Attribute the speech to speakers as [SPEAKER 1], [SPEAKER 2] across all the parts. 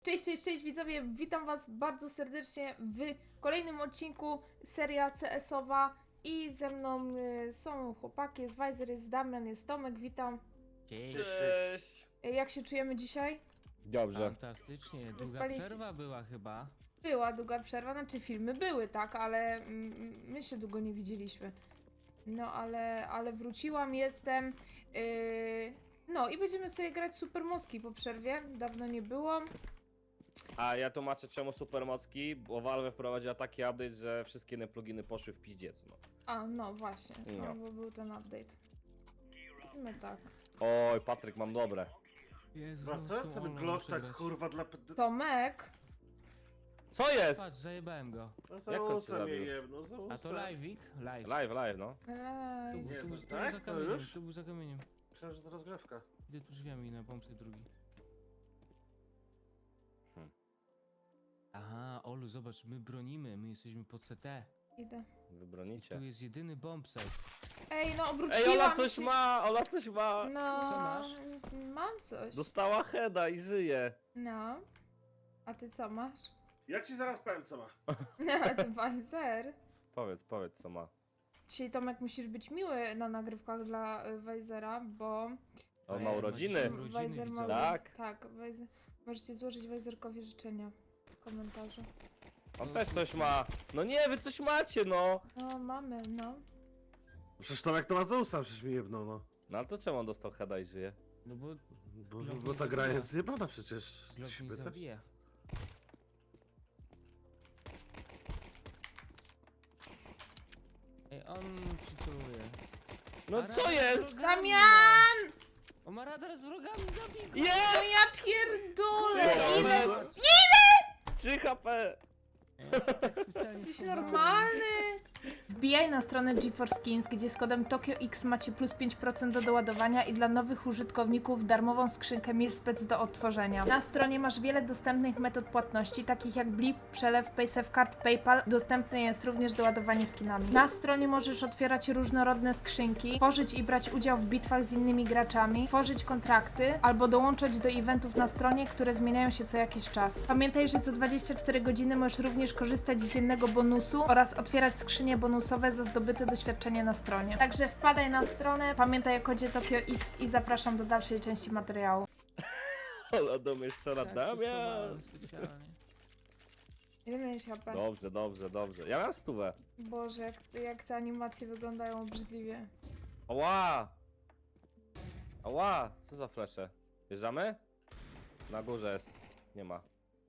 [SPEAKER 1] Cześć, cześć, cześć widzowie, witam was bardzo serdecznie w kolejnym odcinku, seria CS-owa i ze mną są chłopaki, jest Weiser, jest Damian, jest Tomek, witam.
[SPEAKER 2] Cześć.
[SPEAKER 3] Cześć!
[SPEAKER 1] Jak się czujemy dzisiaj?
[SPEAKER 3] Dobrze.
[SPEAKER 2] Fantastycznie, długa
[SPEAKER 1] Wyspaliście-
[SPEAKER 2] przerwa była chyba.
[SPEAKER 1] Była długa przerwa, znaczy filmy były, tak, ale my się długo nie widzieliśmy. No ale wróciłam, jestem, no i będziemy sobie grać Supermoski po przerwie, dawno nie było.
[SPEAKER 3] A ja tłumaczę czemu supermocki, bo Valve wprowadziła taki update, że wszystkie inne pluginy poszły w piździec, no.
[SPEAKER 1] A, no właśnie,
[SPEAKER 3] No.
[SPEAKER 1] no, bo był ten update. No tak.
[SPEAKER 3] Oj, Patryk, mam dobre.
[SPEAKER 2] Jezus,
[SPEAKER 4] Chyba co? Ten glock tak kurwa dla...
[SPEAKER 1] Tomek!
[SPEAKER 3] Co jest?
[SPEAKER 2] Patrz, zajebałem go.
[SPEAKER 4] No
[SPEAKER 3] Jak
[SPEAKER 4] za
[SPEAKER 3] on cię
[SPEAKER 4] usem
[SPEAKER 3] zabił?
[SPEAKER 4] je jebno, za
[SPEAKER 2] A to
[SPEAKER 4] usem.
[SPEAKER 2] live'ik? Live.
[SPEAKER 3] Live, no.
[SPEAKER 1] Ej.
[SPEAKER 2] Tu,
[SPEAKER 4] Nie,
[SPEAKER 2] tu,
[SPEAKER 4] no
[SPEAKER 2] tu,
[SPEAKER 4] tak?
[SPEAKER 2] za
[SPEAKER 4] To
[SPEAKER 2] kamieniem,
[SPEAKER 4] już?
[SPEAKER 2] tu był za kamieniem.
[SPEAKER 4] Myślałem, że to rozgrzewka.
[SPEAKER 2] Idę tu drzwiami na bombsite drugi. Aha, Olu, zobacz, my bronimy, my jesteśmy pod CT.
[SPEAKER 1] Idę.
[SPEAKER 3] Wy bronicie.
[SPEAKER 2] Tu jest jedyny bombsite.
[SPEAKER 1] Ej, no obróciłam
[SPEAKER 3] Ej, Ola coś
[SPEAKER 1] się.
[SPEAKER 3] ma! Ola coś ma!
[SPEAKER 1] No,
[SPEAKER 2] Co masz?
[SPEAKER 1] mam coś.
[SPEAKER 3] Dostała heada i żyje.
[SPEAKER 1] No. A ty co masz?
[SPEAKER 4] Ja ci zaraz powiem co ma.
[SPEAKER 1] A ty Weiser.
[SPEAKER 3] Powiedz co ma.
[SPEAKER 1] Dzisiaj Tomek musisz być miły na nagrywkach dla Weisera, bo
[SPEAKER 3] On ma urodziny.
[SPEAKER 2] Urodziny,
[SPEAKER 1] Weiser ma
[SPEAKER 2] widzowie.
[SPEAKER 3] Tak.
[SPEAKER 1] Tak, Weiser... Możecie złożyć Weiserkowi życzenia w komentarzu.
[SPEAKER 3] On też coś ma. No nie, wy coś macie, no.
[SPEAKER 1] No, mamy, no.
[SPEAKER 4] Przecież Tomek to ma za usem, przecież mi jebną, no.
[SPEAKER 3] No ale to czemu on dostał heada i żyje?
[SPEAKER 2] No bo
[SPEAKER 4] Bo ta gra jest zjebana przecież.
[SPEAKER 2] glock
[SPEAKER 4] Się
[SPEAKER 2] nie
[SPEAKER 4] pytasz?
[SPEAKER 2] zabija. Ej, on przytuluje.
[SPEAKER 3] No co jest?
[SPEAKER 1] Damian!
[SPEAKER 2] On ma radar z wrogami, zabij go!
[SPEAKER 1] No
[SPEAKER 3] Jest!
[SPEAKER 1] ja pierdolę!
[SPEAKER 3] Trzy
[SPEAKER 1] Ile?
[SPEAKER 3] HP. 3 HP!
[SPEAKER 2] Ja się tak specjalnie
[SPEAKER 1] Jesteś
[SPEAKER 2] schowałem.
[SPEAKER 1] normalny? Wbijaj na stronę GeForce Skins, gdzie z kodem TokioX macie plus 5% do doładowania i dla nowych użytkowników darmową skrzynkę Milspec do odtworzenia. Na stronie masz wiele dostępnych metod płatności, takich jak Blip, przelew, PaySafeCard, PayPal. Dostępne jest również doładowanie skinami. Na stronie możesz otwierać różnorodne skrzynki, tworzyć i brać udział w bitwach z innymi graczami, tworzyć kontrakty albo dołączać do eventów na stronie, które zmieniają się co jakiś czas. Pamiętaj, że co 24 godziny możesz również korzystać z dziennego bonusu oraz otwierać skrzynie bonusowe za zdobyte doświadczenie na stronie. Także wpadaj na stronę, pamiętaj o kodzie TokioX i zapraszam do dalszej części materiału.
[SPEAKER 3] Ola domieszczona,
[SPEAKER 2] Tak,
[SPEAKER 3] Damian!
[SPEAKER 2] schowałem specjalnie.
[SPEAKER 1] Ile miałeś HP?
[SPEAKER 3] Dobrze. Ja mam 100.
[SPEAKER 1] Boże, jak te animacje wyglądają obrzydliwie.
[SPEAKER 3] Ała! Ała! Co za flesze? Wjeżdżamy? Na górze jest. Nie ma.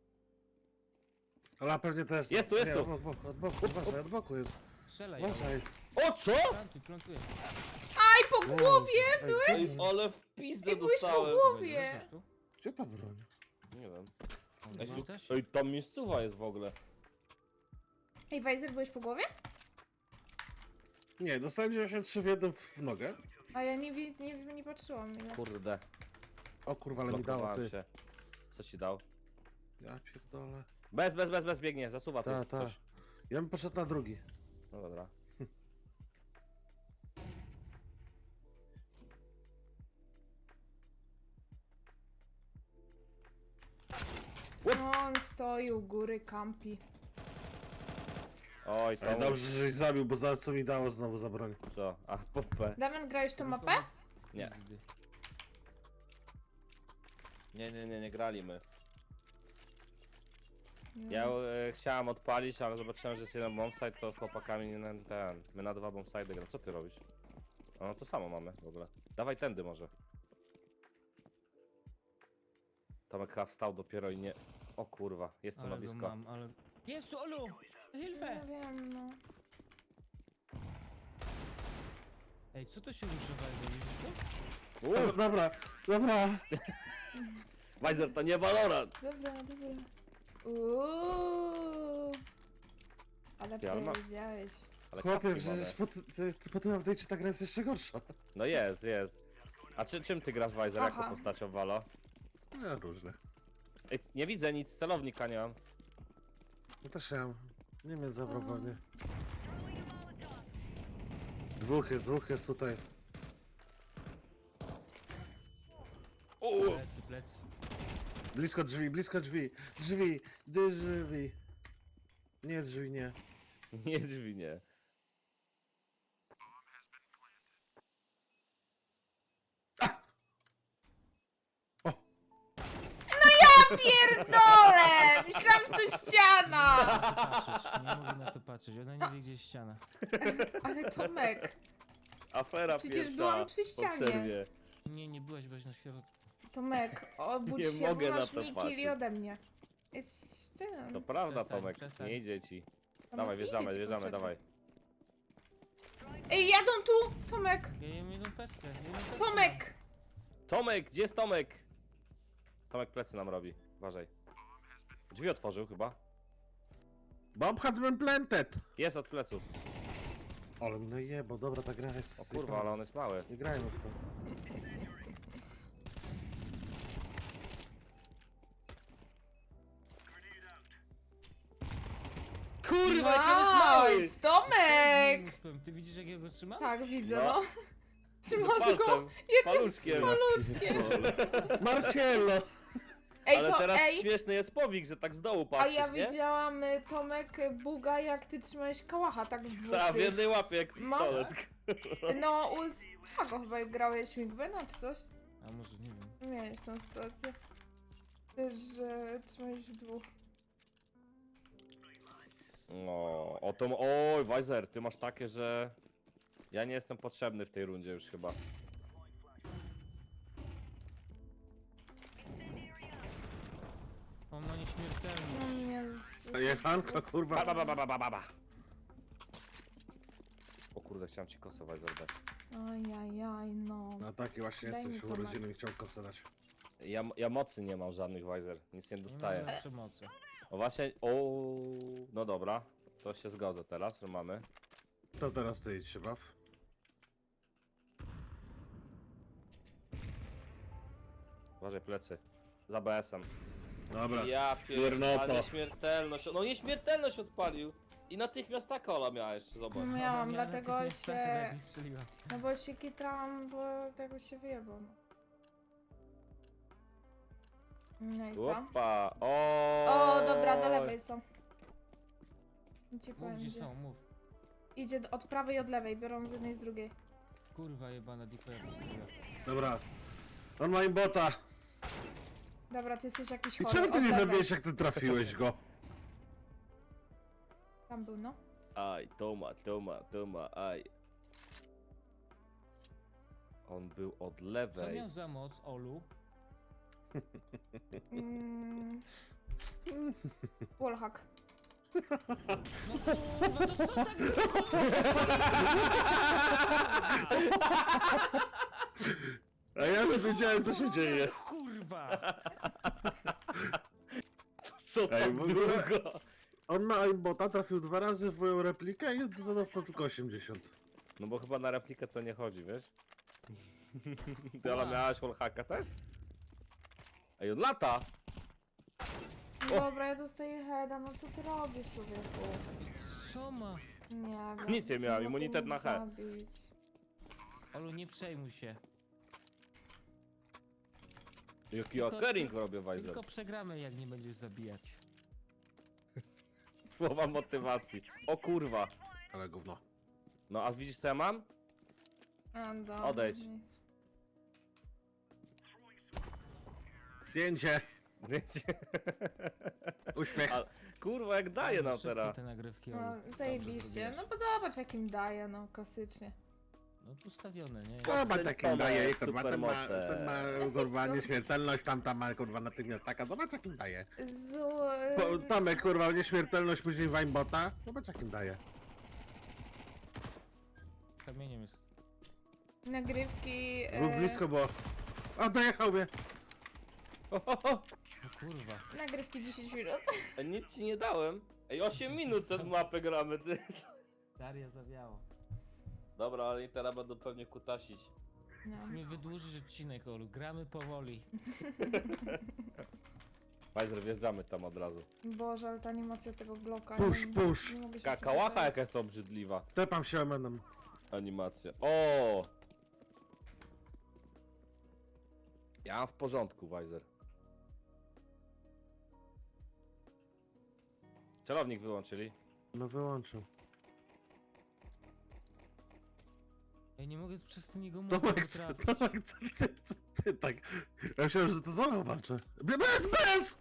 [SPEAKER 4] Ale pewnie też.
[SPEAKER 3] Jest tu.
[SPEAKER 4] Nie, od boku jest.
[SPEAKER 2] Strzelaj,
[SPEAKER 4] Uważaj.
[SPEAKER 3] O co?
[SPEAKER 2] plantuj.
[SPEAKER 1] Aj, po głowie!
[SPEAKER 4] Ej,
[SPEAKER 3] Ale w pizdę
[SPEAKER 1] Ej, byłeś po
[SPEAKER 3] dostałem.
[SPEAKER 1] głowie!
[SPEAKER 2] Weźmiesz tu?
[SPEAKER 4] gdzie ta broń?
[SPEAKER 3] Nie wiem.
[SPEAKER 2] Ej,
[SPEAKER 3] Ej,
[SPEAKER 2] też?
[SPEAKER 3] Ej, tam miejscowa jest w ogóle.
[SPEAKER 1] Ej, Weiser, byłeś po głowie?
[SPEAKER 4] Nie, dostałem 93 w jednym w nogę.
[SPEAKER 1] A ja nie patrzyłam ile.
[SPEAKER 3] Kurde,
[SPEAKER 4] O kurwa, ale mi dało
[SPEAKER 3] blokowałem
[SPEAKER 4] ty.
[SPEAKER 3] się. Co ci dał?
[SPEAKER 4] Ja pierdolę.
[SPEAKER 3] Bez, biegnie, zasuwa tu
[SPEAKER 4] Ta.
[SPEAKER 3] coś.
[SPEAKER 4] Ja bym poszedł na drugi.
[SPEAKER 3] No dobra.
[SPEAKER 1] No, on stoi u góry, kampi.
[SPEAKER 3] Oj,
[SPEAKER 4] Ale
[SPEAKER 3] to
[SPEAKER 4] dobrze, żeś zabił, bo za co mi dało znowu za broń.
[SPEAKER 3] co? A, popę.
[SPEAKER 1] Damian, grałeś tą mapę?
[SPEAKER 3] Nie. Nie grali my. Ja chciałem odpalić, ale zobaczyłem, że jest jeden bombsite, to z chłopakami nie na ten. My na 2 bombsite gram. Co ty robisz? No to samo mamy w ogóle. Dawaj tędy może. Tomek chyba wstał dopiero i nie... O kurwa, jest tu na
[SPEAKER 2] Ale go
[SPEAKER 3] blisko.
[SPEAKER 2] mam, ale... Jest tu, Olu! Hilfe!
[SPEAKER 1] Ja wiem, no.
[SPEAKER 2] Ej, co to się rusza, widzisz to?
[SPEAKER 4] Dobra.
[SPEAKER 3] Weiser, to nie Valorant!
[SPEAKER 1] Dobra. Uuuu. Ale
[SPEAKER 3] Ty, ale ma-
[SPEAKER 1] powiedziałeś.
[SPEAKER 3] Ale
[SPEAKER 4] Chłopie,
[SPEAKER 3] kaski
[SPEAKER 4] przecież
[SPEAKER 3] mamy.
[SPEAKER 4] po tym update'cie ta gra jest jeszcze gorsza.
[SPEAKER 3] No jest. A czym ty grasz Weiser? Jaką
[SPEAKER 1] Aha.
[SPEAKER 3] postacią w Valo?
[SPEAKER 4] Ja różne.
[SPEAKER 3] Ej, nie widzę nic, celownika nie mam.
[SPEAKER 4] No też ja mam. Nie wiem, zabrowanie. Dwóch jest tutaj.
[SPEAKER 2] Plecy.
[SPEAKER 4] Blisko drzwi, blisko drzwi. Drzwi, drzwi. Nie drzwi, nie.
[SPEAKER 3] Nie drzwi, nie.
[SPEAKER 4] O!
[SPEAKER 1] Pierdolę! Myślałam, że to ściana!
[SPEAKER 2] Patrzeć, nie mogę na to patrzeć, ona nie wie gdzie jest ściana.
[SPEAKER 1] Ale Tomek,
[SPEAKER 3] Afera
[SPEAKER 1] Przecież
[SPEAKER 3] pierwsza
[SPEAKER 1] byłam przy
[SPEAKER 3] po
[SPEAKER 1] ścianie.
[SPEAKER 3] przerwie.
[SPEAKER 2] Nie byłeś na środku.
[SPEAKER 1] Tomek, obudź
[SPEAKER 3] Nie
[SPEAKER 1] się,
[SPEAKER 3] mogę
[SPEAKER 1] bo
[SPEAKER 3] na
[SPEAKER 1] masz
[SPEAKER 3] to
[SPEAKER 1] mniej
[SPEAKER 3] patrzeć.
[SPEAKER 1] killi ode mnie. Jest ten.
[SPEAKER 3] To prawda,
[SPEAKER 2] Przestań,
[SPEAKER 3] Tomek,
[SPEAKER 2] przestań.
[SPEAKER 3] nie idzie ci.
[SPEAKER 1] Tomek,
[SPEAKER 3] Dawaj,
[SPEAKER 1] idzie
[SPEAKER 3] wjeżdżamy,
[SPEAKER 1] ci,
[SPEAKER 3] wjeżdżamy,
[SPEAKER 1] poczekaj.
[SPEAKER 3] dawaj.
[SPEAKER 1] Ej, jadą tu! Tomek!
[SPEAKER 2] Ja jem jedną pestkę,
[SPEAKER 1] Tomek!
[SPEAKER 3] Tomek, gdzie jest Tomek? Tomek plecy nam robi, uważaj. Drzwi otworzył chyba.
[SPEAKER 4] Bomb has been planted!
[SPEAKER 3] Jest od pleców.
[SPEAKER 4] Ale no jebo, dobra, ta gra jest...
[SPEAKER 3] O kurwa, ale on jest mały.
[SPEAKER 4] Nie grajmy w to.
[SPEAKER 3] Kurwa, jak on jest mały!
[SPEAKER 1] Nice! Tomek!
[SPEAKER 2] Ty widzisz jak ja go trzymam?
[SPEAKER 1] Tak, widzę,
[SPEAKER 3] No.
[SPEAKER 1] no. Trzymasz go
[SPEAKER 3] Palcem,
[SPEAKER 1] jednym
[SPEAKER 3] paluszkiem.
[SPEAKER 1] paluszkiem.
[SPEAKER 4] Marcello!
[SPEAKER 1] Ej,
[SPEAKER 3] Ale
[SPEAKER 1] to
[SPEAKER 3] teraz
[SPEAKER 1] ej!
[SPEAKER 3] śmieszny jest powik, że tak z dołu
[SPEAKER 1] A
[SPEAKER 3] patrzysz,
[SPEAKER 1] ja
[SPEAKER 3] nie?
[SPEAKER 1] widziałam, Tomek, buga, jak ty trzymałeś kałacha, tak w dwóch
[SPEAKER 3] Ta, w
[SPEAKER 1] tych.
[SPEAKER 3] jednej łapie jak
[SPEAKER 1] Mam-
[SPEAKER 3] pistolet.
[SPEAKER 1] No, u Spago chyba grałeś Migwena czy coś?
[SPEAKER 2] A może nie wiem.
[SPEAKER 1] Miałeś tą sytuację. Też, że trzymałeś w dwóch.
[SPEAKER 3] No, o to... Oj, Weiser, ty masz takie, że... Ja nie jestem potrzebny w tej rundzie już chyba.
[SPEAKER 2] On ma nieśmiertelność.
[SPEAKER 1] No mnie
[SPEAKER 4] Jechanka, kurwa.
[SPEAKER 3] Ba, ba, ba, ba, ba, ba, ba. O kurde, chciałem ci kosę Weiser dać.
[SPEAKER 1] Ajajaj, no.
[SPEAKER 4] No taki właśnie
[SPEAKER 1] Daj mi
[SPEAKER 4] jesteś,
[SPEAKER 1] to,
[SPEAKER 4] urodziny i chciał kosę dać.
[SPEAKER 3] Ja mocy nie mam żadnych Weiser, nic nie
[SPEAKER 2] Nie
[SPEAKER 3] dostaję.
[SPEAKER 2] ma przemocy.
[SPEAKER 3] O właśnie, o, no dobra, to się zgodzę teraz, że mamy.
[SPEAKER 4] To teraz ty idź się baw.
[SPEAKER 3] Uważaj plecy, za BS-em.
[SPEAKER 4] Dobra.
[SPEAKER 3] Ja
[SPEAKER 4] Piernoto.
[SPEAKER 3] pierdolę, nieśmiertelność, no nieśmiertelność odpalił. I natychmiast ta kola miała jeszcze, zobacz.
[SPEAKER 1] Miałam,
[SPEAKER 2] Ona
[SPEAKER 1] dlatego
[SPEAKER 2] natychmiast
[SPEAKER 1] się...
[SPEAKER 2] tak jak mi strzeliła.
[SPEAKER 1] No bo się kitrałam, bo tego się wyjebał. No i co?
[SPEAKER 3] Opa, o.
[SPEAKER 1] O, dobra, do lewej są. Ci
[SPEAKER 2] Mów
[SPEAKER 1] powiem,
[SPEAKER 2] gdzie
[SPEAKER 1] gdzie.
[SPEAKER 2] są, mów.
[SPEAKER 1] Idzie od prawej i od lewej, biorą z jednej z drugiej.
[SPEAKER 2] Kurwa jebana dikoja.
[SPEAKER 4] Dobra. On ma imbota.
[SPEAKER 1] Dobra, ty jesteś jakiś
[SPEAKER 4] I
[SPEAKER 1] chory.
[SPEAKER 4] czemu ty
[SPEAKER 1] od
[SPEAKER 4] nie
[SPEAKER 1] lewej.
[SPEAKER 4] zabijesz, jak ty trafiłeś go?
[SPEAKER 1] Tam był, no.
[SPEAKER 3] Aj, Toma, aj. On był od
[SPEAKER 2] Co
[SPEAKER 3] lewej.
[SPEAKER 2] miał za moc, Olu?
[SPEAKER 1] Mm. Wallhack.
[SPEAKER 2] No kurwa, to co tak...
[SPEAKER 4] A ja już wiedziałem, co się dzieje.
[SPEAKER 2] Kurwa!
[SPEAKER 3] Co
[SPEAKER 4] Ej,
[SPEAKER 3] tak
[SPEAKER 4] w ogóle-
[SPEAKER 3] długo?
[SPEAKER 4] On ma aimbota, trafił 2 razy w moją replikę i dostał tylko 80.
[SPEAKER 3] No bo chyba na replikę to nie chodzi, wiesz? Ty ale
[SPEAKER 2] Wow.
[SPEAKER 3] miałaś wallhacka też? Ej, od lata!
[SPEAKER 1] Dobra, ja dostaję heada, no co ty robisz, człowieku?
[SPEAKER 2] Co ma?
[SPEAKER 1] Nie wiem.
[SPEAKER 3] Nic nie miałem,
[SPEAKER 1] mogę
[SPEAKER 3] immunitet
[SPEAKER 1] mnie
[SPEAKER 3] na he.
[SPEAKER 1] zabić.
[SPEAKER 2] Olu, nie przejmuj się.
[SPEAKER 3] Jaki
[SPEAKER 2] Tylko-
[SPEAKER 3] occurring robię, Weiser.
[SPEAKER 2] Tylko przegramy jak nie będziesz zabijać.
[SPEAKER 3] Słowa motywacji. O kurwa.
[SPEAKER 4] Ale gówno.
[SPEAKER 3] No a widzisz co ja mam?
[SPEAKER 1] A, dobra,
[SPEAKER 3] Odejdź.
[SPEAKER 1] nic.
[SPEAKER 4] Zdjęcie. Uśmiech.
[SPEAKER 3] A, kurwa jak daje nam
[SPEAKER 2] Szybkie
[SPEAKER 3] teraz.
[SPEAKER 2] te nagrywki, Olu.
[SPEAKER 1] No,
[SPEAKER 2] Dobrze
[SPEAKER 1] zajebiście.
[SPEAKER 2] zrobiłeś.
[SPEAKER 1] No bo zobacz jakim daje, no klasycznie.
[SPEAKER 2] No ustawione, nie?
[SPEAKER 4] Chyba
[SPEAKER 3] ten
[SPEAKER 4] takim
[SPEAKER 3] Tomek,
[SPEAKER 4] daje, kurwa, ten ma,
[SPEAKER 3] supermoce.
[SPEAKER 4] ten ma kurwa nieśmiertelność, tamta ma kurwa natychmiast taka, zobacz jakim daje. Tomek kurwa nieśmiertelność, później aimbota, zobacz jakim daje.
[SPEAKER 2] Kamieniem jest.
[SPEAKER 1] Nagrywki...
[SPEAKER 4] Był blisko było. O, dojechał mnie.
[SPEAKER 3] Ho, ho, ho.
[SPEAKER 2] No kurwa.
[SPEAKER 1] Nagrywki 10 minut.
[SPEAKER 3] Ej, nic ci nie dałem. Ej, 8 minut tę mapę gramy, ty.
[SPEAKER 2] Daria zawiało.
[SPEAKER 3] Dobra, ale teraz będą pewnie kutasić.
[SPEAKER 1] No.
[SPEAKER 2] Nie wydłużysz odcinek, Olu. Gramy powoli.
[SPEAKER 3] Weiser, wjeżdżamy tam od razu.
[SPEAKER 1] Boże, ale ta animacja tego Glocka.
[SPEAKER 4] Push,
[SPEAKER 1] nie-
[SPEAKER 4] push.
[SPEAKER 1] nie mogę się
[SPEAKER 3] Kałacha
[SPEAKER 1] przygotować.
[SPEAKER 3] jaka jest obrzydliwa.
[SPEAKER 4] Tepam się omenem.
[SPEAKER 3] Animacja. O! Ja mam w porządku, Weiser. Celownik wyłączyli.
[SPEAKER 4] No wyłączył.
[SPEAKER 2] Ja nie mogę przez ten jego mózg
[SPEAKER 4] Tomek,
[SPEAKER 2] trafić.
[SPEAKER 4] Tomek, co ty tak? Ja myślałem, że to Zola walczy. Bez!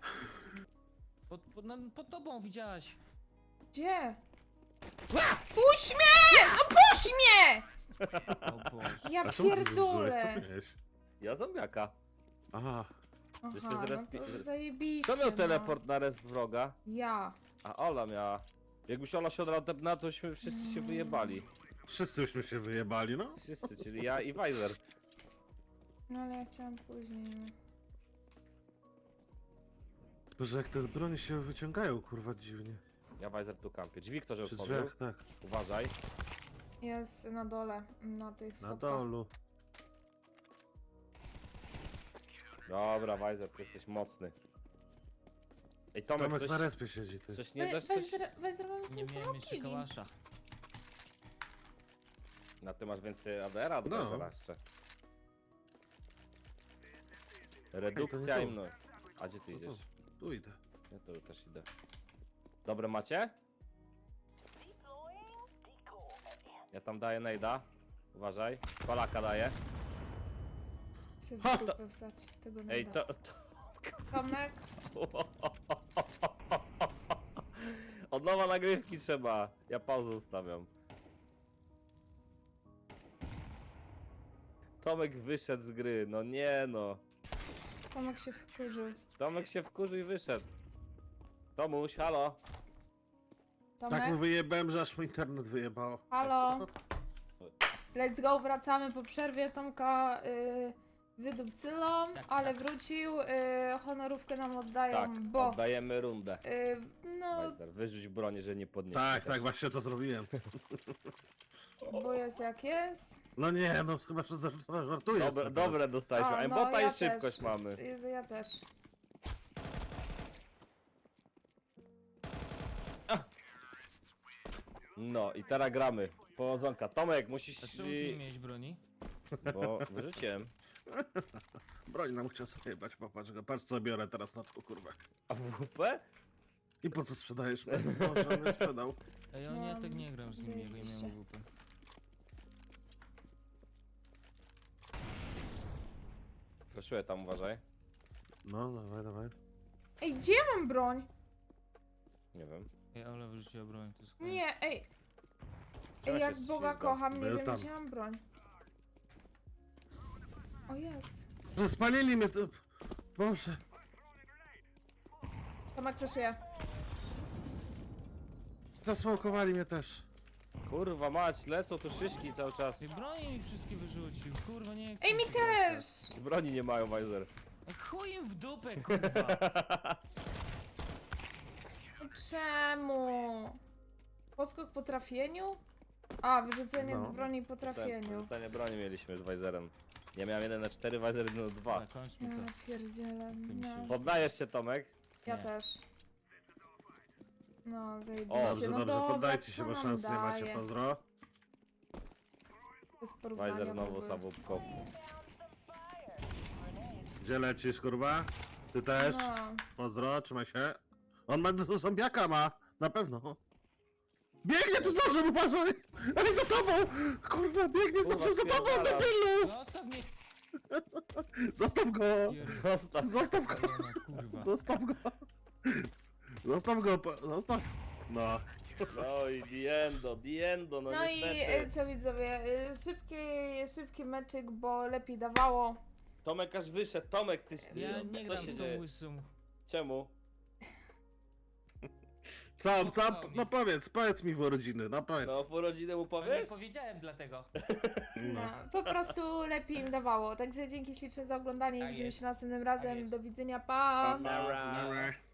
[SPEAKER 2] Pod tobą widziałaś.
[SPEAKER 1] Gdzie? Puść mnie! No puść mnie!
[SPEAKER 2] O Boże.
[SPEAKER 1] Ja
[SPEAKER 4] A czemu ty zużyłeś? Co
[SPEAKER 1] pierdolę.
[SPEAKER 4] ty miałeś?
[SPEAKER 3] Ja zombiaka.
[SPEAKER 4] Aha.
[SPEAKER 3] Jeszcze
[SPEAKER 1] Aha,
[SPEAKER 3] zaraz
[SPEAKER 1] no
[SPEAKER 3] pi-
[SPEAKER 1] to zajebiście,
[SPEAKER 3] Kto miał
[SPEAKER 1] no.
[SPEAKER 3] teleport na resp wroga?
[SPEAKER 1] Ja.
[SPEAKER 3] A Ola miała. Jakbyś Ola się odradła, to byśmy wszyscy się wyjebali.
[SPEAKER 4] Wszyscyśmy się wyjebali, no.
[SPEAKER 3] Wszyscy, czyli ja i Weiser.
[SPEAKER 1] No ale ja chciałam później.
[SPEAKER 4] Tylko, że jak te broni się wyciągają, kurwa, dziwnie.
[SPEAKER 3] Ja Weiser tu kampię. Drzwi ktoś
[SPEAKER 4] Przy
[SPEAKER 3] otworzył.
[SPEAKER 4] drzwiach, tak.
[SPEAKER 3] Uważaj.
[SPEAKER 1] Jest na dole, na tych
[SPEAKER 4] Na
[SPEAKER 1] schodkach.
[SPEAKER 4] dolu.
[SPEAKER 3] Dobra, Weiser, ty jesteś mocny. Ej, Tomek,
[SPEAKER 4] Tomek
[SPEAKER 3] coś,
[SPEAKER 4] na respie siedzi, ty.
[SPEAKER 3] coś nie dasz coś...
[SPEAKER 1] Weź zrobimy
[SPEAKER 2] Nie
[SPEAKER 1] ten
[SPEAKER 2] miałem
[SPEAKER 1] sam
[SPEAKER 2] jeszcze
[SPEAKER 1] killing.
[SPEAKER 2] kałasza.
[SPEAKER 3] Na ty masz więcej ADR-a od
[SPEAKER 4] No.
[SPEAKER 3] Weizera jeszcze. Redukcja
[SPEAKER 4] tu.
[SPEAKER 3] i mno. A gdzie ty idziesz?
[SPEAKER 4] Tu idę.
[SPEAKER 3] Ja tu też idę. Dobre macie? Ja tam daję nejda. Uważaj. Polaka daję.
[SPEAKER 1] Chcę w
[SPEAKER 3] Ha,
[SPEAKER 1] dupę wstać tego
[SPEAKER 3] Ej,
[SPEAKER 1] nada.
[SPEAKER 3] to...
[SPEAKER 1] Tomek,
[SPEAKER 3] Od nowa nagrywki trzeba. Ja pauzę ustawiam. Tomek wyszedł z gry. No nie no.
[SPEAKER 1] Tomek się wkurzył.
[SPEAKER 3] Tomek się wkurzył i wyszedł. Tomuś, halo.
[SPEAKER 1] Tomek,
[SPEAKER 4] Tak mu wyjebałem, że aż mu internet wyjebało.
[SPEAKER 1] halo. Let's go, wracamy po przerwie. Tomka wydupcylą,
[SPEAKER 2] Tak,
[SPEAKER 1] ale
[SPEAKER 2] tak.
[SPEAKER 1] wrócił. Honorówkę nam oddają,
[SPEAKER 3] Tak,
[SPEAKER 1] bo
[SPEAKER 3] oddajemy rundę.
[SPEAKER 1] no,
[SPEAKER 3] Weiser, wyrzuć broń, że nie podniesie.
[SPEAKER 4] Tak, tak, właśnie to zrobiłem.
[SPEAKER 1] bo jest jak jest.
[SPEAKER 4] No nie, no chyba, że żartujesz.
[SPEAKER 3] Dobre,
[SPEAKER 4] sobie
[SPEAKER 3] dobre dostaliśmy.
[SPEAKER 1] A, no,
[SPEAKER 3] Embota
[SPEAKER 1] ja
[SPEAKER 3] i szybkość
[SPEAKER 1] też.
[SPEAKER 3] mamy.
[SPEAKER 1] Jezu, ja też.
[SPEAKER 3] No i teraz gramy. Powodzonka. Tomek,
[SPEAKER 2] A
[SPEAKER 3] musisz...
[SPEAKER 2] czemu ty nie miałeś broni?
[SPEAKER 3] Bo wyrzuciłem.
[SPEAKER 4] teraz. Broń nam chciał sobie jebać, popatrz go. Patrz co biorę teraz na tą kurwę.
[SPEAKER 3] A WP?
[SPEAKER 4] I po co sprzedajesz? Może mnie sprzedał.
[SPEAKER 2] Ej, ja nie, tak nie gram z nim, jak ja
[SPEAKER 1] zajebiście.
[SPEAKER 2] miałem WP.
[SPEAKER 3] Flaszuję tam, uważaj.
[SPEAKER 4] No, dawaj, dawaj.
[SPEAKER 1] Ej, gdzie ja mam broń?
[SPEAKER 3] Nie wiem.
[SPEAKER 2] Ej, Ola wyrzuciła broń, to jest koniec.
[SPEAKER 1] Nie, ej.
[SPEAKER 3] Czemu
[SPEAKER 1] Ej,
[SPEAKER 3] się
[SPEAKER 1] jak Boga
[SPEAKER 3] ślizgam?
[SPEAKER 1] kocham, nie
[SPEAKER 4] Był
[SPEAKER 1] wiem,
[SPEAKER 4] tam.
[SPEAKER 1] gdzie mam broń. O, jest.
[SPEAKER 4] Że spalili mnie to... Boże.
[SPEAKER 1] Tomek fleszuje.
[SPEAKER 4] Zasmokowali mnie też.
[SPEAKER 3] Kurwa mać, lecą tu szyszki cały czas.
[SPEAKER 2] Ej, broni mi wszystkie wyrzucił, kurwa, nie chcę
[SPEAKER 1] Ej, mi
[SPEAKER 2] się
[SPEAKER 1] też!
[SPEAKER 3] Broni nie mają, Weiser.
[SPEAKER 2] grać. Chuj im w dupę, kurwa!
[SPEAKER 1] Czemu? Podskok po trafieniu? A, wyrzucenie
[SPEAKER 4] No.
[SPEAKER 1] broni po trafieniu.
[SPEAKER 3] Rzucenie broni mieliśmy z Weiserem. Ja miałem 1 na 4, Weiser 1 na 2.
[SPEAKER 2] Dobra, kończmy
[SPEAKER 1] Ja
[SPEAKER 2] to.
[SPEAKER 1] pierdzielę.
[SPEAKER 2] mi
[SPEAKER 1] No.
[SPEAKER 2] się-
[SPEAKER 3] Poddajesz się, Tomek?
[SPEAKER 1] Ja
[SPEAKER 2] Nie.
[SPEAKER 1] też. No,
[SPEAKER 3] O,
[SPEAKER 1] zajebiście.
[SPEAKER 4] Dobrze,
[SPEAKER 1] No
[SPEAKER 4] dobrze,
[SPEAKER 1] dobra,
[SPEAKER 4] poddajcie się,
[SPEAKER 1] co
[SPEAKER 4] bo
[SPEAKER 1] nam
[SPEAKER 4] szans nie macie,
[SPEAKER 1] daje?
[SPEAKER 4] pozdro.
[SPEAKER 1] Bez porównania
[SPEAKER 3] Weiser
[SPEAKER 1] w
[SPEAKER 3] znowu
[SPEAKER 1] ogóle.
[SPEAKER 3] sabubką.
[SPEAKER 4] Gdzie lecisz, kurwa? Ty też?
[SPEAKER 1] No.
[SPEAKER 4] Pozdro, trzymaj się. On ma do zombiaka ma, na pewno. Biegnie tu z nożem, uważaj! Ale za tobą! Kurwa, biegnie z
[SPEAKER 3] Kurwa,
[SPEAKER 4] nożem za tobą,
[SPEAKER 3] spierdalam.
[SPEAKER 4] debilu!
[SPEAKER 2] Zostaw mnie!
[SPEAKER 4] Zostaw go!
[SPEAKER 3] Zostaw.
[SPEAKER 4] Zostaw go!
[SPEAKER 2] Jana, kurwa.
[SPEAKER 4] Zostaw go! Zostaw go, zostaw! No.
[SPEAKER 3] No i diendo, no,
[SPEAKER 1] No i
[SPEAKER 3] niestety.
[SPEAKER 1] co widzowie, szybki meczyk, bo lepiej dawało.
[SPEAKER 3] Tomek aż wyszedł. Tomek, ty...
[SPEAKER 2] Ja nie
[SPEAKER 3] co
[SPEAKER 2] gram
[SPEAKER 3] się
[SPEAKER 2] z
[SPEAKER 3] dzieje?
[SPEAKER 2] tą łysą.
[SPEAKER 3] Czemu?
[SPEAKER 4] Co,
[SPEAKER 2] Spokojnie.
[SPEAKER 4] no powiedz mi w urodziny, no powiedz.
[SPEAKER 3] No, w urodzinę mu
[SPEAKER 2] Ale nie
[SPEAKER 3] powiesz?
[SPEAKER 2] powiedziałem dlatego.
[SPEAKER 1] No, po prostu lepiej im dawało. Także dzięki śliczne za oglądanie i
[SPEAKER 2] Tak
[SPEAKER 1] widzimy
[SPEAKER 2] jest.
[SPEAKER 1] się następnym razem.
[SPEAKER 2] jest.
[SPEAKER 1] Do widzenia, pa!
[SPEAKER 3] Nara.
[SPEAKER 4] Nara.